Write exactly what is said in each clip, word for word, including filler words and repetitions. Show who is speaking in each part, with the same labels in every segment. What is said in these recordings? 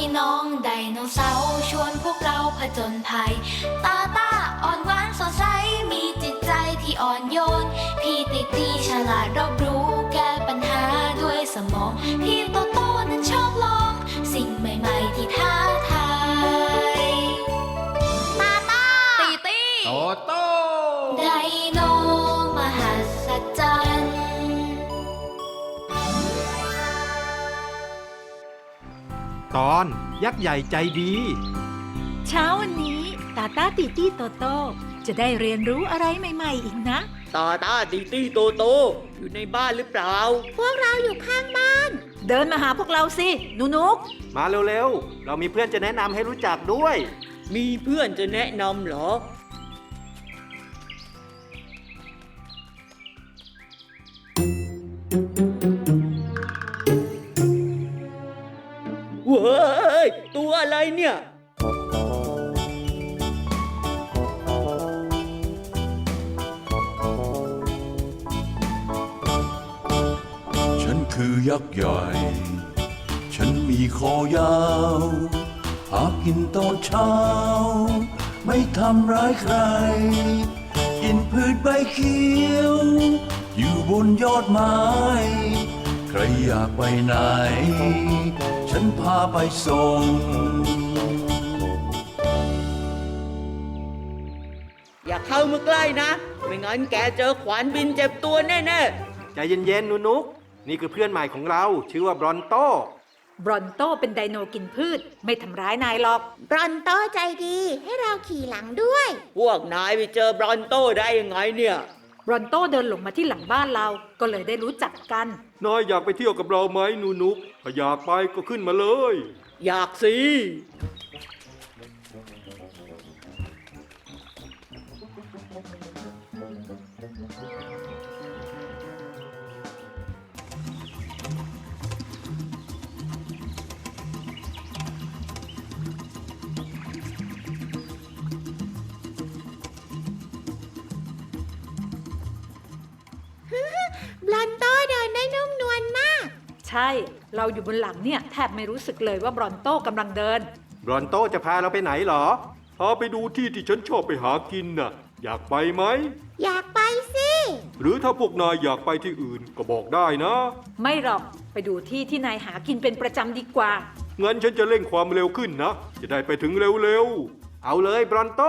Speaker 1: น้องไดโนเสาร์ชวนพวกเราผจญภัยตาตาอ่อนหวานสดใสมีจิตใจที่อ่อนโยนพี่ติตีฉลาดรอบรู้แก้ปัญหาด้วยสมองพี่โตโตนั้นชอบลองสิ่งใหม่ๆที่ท้าทายตาตาตีตี
Speaker 2: โตโต
Speaker 1: ไดโนมหัศจรรย์
Speaker 2: ตอนยักษ์ใหญ่ใจดี
Speaker 3: เช้าวันนี้ตาตาติตี้โตโตจะได้เรียนรู้อะไรใหม่ๆอีกนะ
Speaker 4: ตาตาติตี้โตโตอยู่ในบ้านหรือเปล่า
Speaker 5: พวกเราอยู่ข้างบ้าน
Speaker 3: เดินมาหาพวกเราสิหนูนุก
Speaker 2: มาเร็วๆเรามีเพื่อนจะแนะนำให้รู้จักด้วย
Speaker 4: มีเพื่อนจะแนะนำเหรอเว้ยตัวอะไรเนี่ย
Speaker 6: ฉันคือยักษ์ใหญ่ฉันมีคอยาวหากินตอนเช้าไม่ทำร้ายใครกินพืชใบเขียวอยู่บนยอดไม้ใครอยากไปไหนฉันพาไปส่ง
Speaker 4: อย่าเข้ามาใกล้นะไม่งั้นแกเจอขวานบินเจ็บตัวแน่
Speaker 2: ๆใจเย็นๆนุนุกนี่คือเพื่อนใหม่ของเราชื่อว่าบรอนโต
Speaker 3: บรอนโตเป็นไดโนกินพืชไม่ทำร้ายนายหรอก
Speaker 5: บรอนโตใจดีให้เราขี่หลังด้วย
Speaker 4: พวกนายไปเจอบรอนโตได้ยังไงเนี่ย
Speaker 3: บรอนโตเดินหลงมาที่หลังบ้านเราก็เลยได้รู้จักกัน
Speaker 2: นายอยากไปเที่ยวกับเราไหมนูนุกถ้าอยากไปก็ขึ้นมาเลย
Speaker 4: อยากสิ
Speaker 5: บรอนโตเดินได้นุ่มนวลมาก
Speaker 3: ใช่เราอยู่บนหลังเนี่ยแทบไม่รู้สึกเลยว่าบรอนโตกำลังเดิน
Speaker 2: บรอนโตจะพาเราไปไหนหรอพาไปดูที่ที่ฉันชอบไปหากินน่ะอยากไปไหม
Speaker 5: อยากไปสิ
Speaker 2: หรือถ้าพวกนายอยากไปที่อื่นก็บอกได้นะ
Speaker 3: ไม่หรอกไปดูที่ที่นายหากินเป็นประจำดีกว่า
Speaker 2: งั้นฉันจะเร่งความเร็วขึ้นนะจะได้ไปถึงเร็วๆเอาเลยบรอนโต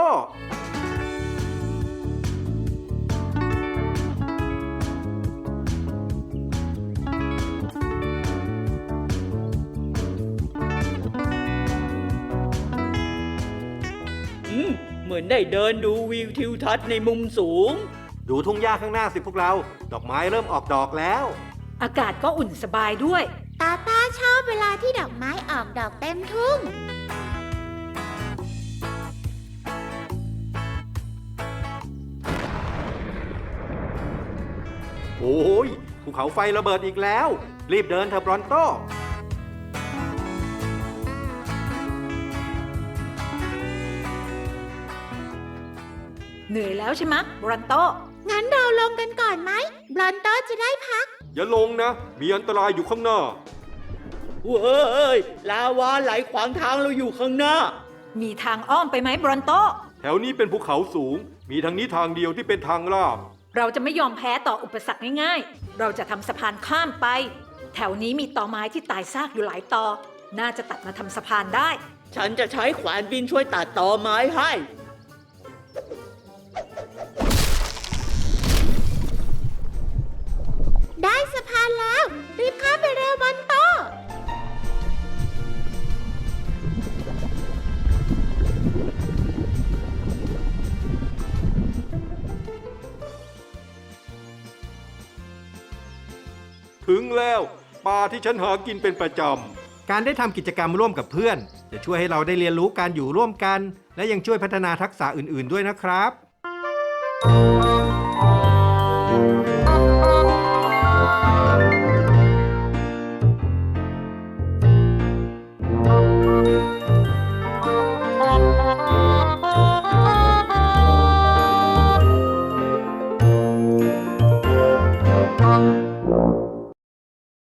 Speaker 4: เหมือนได้เดินดูวิวทิวทัศน์ในมุมสูง
Speaker 2: ดูทุ่งหญ้าข้างหน้าสิพวกเราดอกไม้เริ่มออกดอกแล้ว
Speaker 3: อากาศก็อุ่นสบายด้วย
Speaker 5: ตาตาชอบเวลาที่ดอกไม้ออกดอกเต็มทุ่ง
Speaker 2: โอ้ยภูเขาไฟระเบิดอีกแล้วรีบเดินเถอะบรอนโต
Speaker 3: เหนื่อยแล้วใช่ไหมบรอนโต
Speaker 5: งั้นเราลงกันก่อนไหมบรอนโตจะได้พัก
Speaker 2: อย่าลงนะมีอันตรายอยู่ข้างหน้า
Speaker 4: เว้ยลาวาไหลขวางทางเราอยู่ข้างหน้า
Speaker 3: มีทางอ้อมไปไหมบรอนโต
Speaker 2: แถวนี้เป็นภูเขาสูงมีทางนี้ทางเดียวที่เป็นทางราบ
Speaker 3: เราจะไม่ยอมแพ้ต่ออุปสรรคง่ายๆเราจะทำสะพานข้ามไปแถวนี้มีตอไม้ที่ตายซากอยู่หลายตอน่าจะตัดมาทำสะพานได้
Speaker 4: ฉันจะใช้ขวานบินช่วยตัดตอไม้ให้
Speaker 5: ได้สะพานแล้วรีบข้ามไปเร็วบรอนโต
Speaker 2: ถึงแล้วป่าที่ฉันหากินเป็นประจำการได้ทำกิจกรรมร่วมกับเพื่อนจะช่วยให้เราได้เรียนรู้การอยู่ร่วมกันและยังช่วยพัฒนาทักษะอื่นๆด้วยนะครับ